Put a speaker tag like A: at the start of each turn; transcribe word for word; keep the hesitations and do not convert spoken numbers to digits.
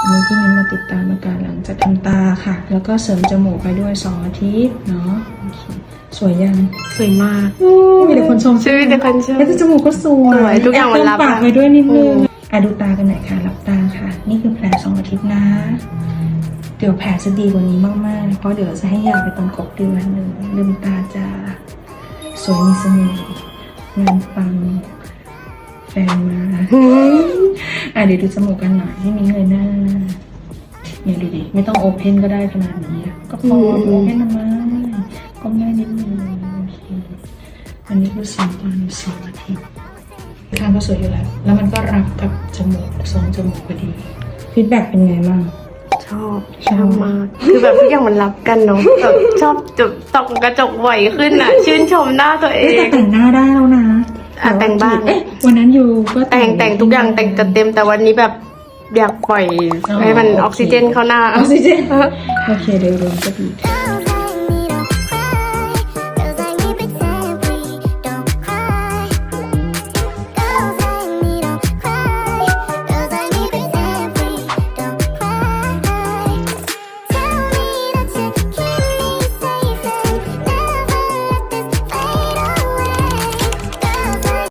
A: อันนี้ที่มิ้นมาติดตามอาการหลังจากทำตาค่ะแล้วก็เสริมจมูกไปด้วยสองอาทิตย์เนาะสวยยัง
B: สวยมาก
A: มีแต่คนชม
B: ใช่มีแต่คนชม
A: แล้วจมูกก็สวย
B: ทุกอย่างมันรับ
A: ปากไปด้วยนิดนึงอ่ะดูตากันหน่อยค่ะหลับตาค่ะนี่คือแผลสองอาทิตย์นะเดี๋ยวแผลจะดีกว่านี้มากๆเพราะเดี๋ยวจะให้ยาไปตรงกบเดือนหนึ่งลืมตาจะสวยมีเสน่ห์งานปังแฟนมาอ่ะเดี๋ยวดูจมูกกันหน่อยให้มิ้นเลยหน้าเนี่ยดูดิไม่ต้องโอเพนก็ได้ขนาดนี้ก็พอโอเพนมาก็ไม่นิดนึงโอเคอันนี้คือสองตอนสองอาทิตย์ข้างก็สวยอยู่แล้วแล้วมันก็รับกับจมูกทรงจมูกพอดีฟีดแบ็กเป็นไงบ้าง
B: ชอบชอบมากคือแบบทุกอย่างมันรับกันเนาะแบบชอบจุดตกกระจกบ่อยขึ้นอ่ะชื่นชมหน้าตัวเอง
A: แต่งหน้าได้แล้วนะ
B: แต่งบ้าง
A: วันนั้นอยู่ก็
B: แต่งแต่งทุกอย่างแต่งจัดเต็มแต่วันนี้แบบอยากปล่อยให้มันออกซิเจนเข้าหน้า
A: ออกซิเจนโอเคเดี๋ยวรวมก็ดี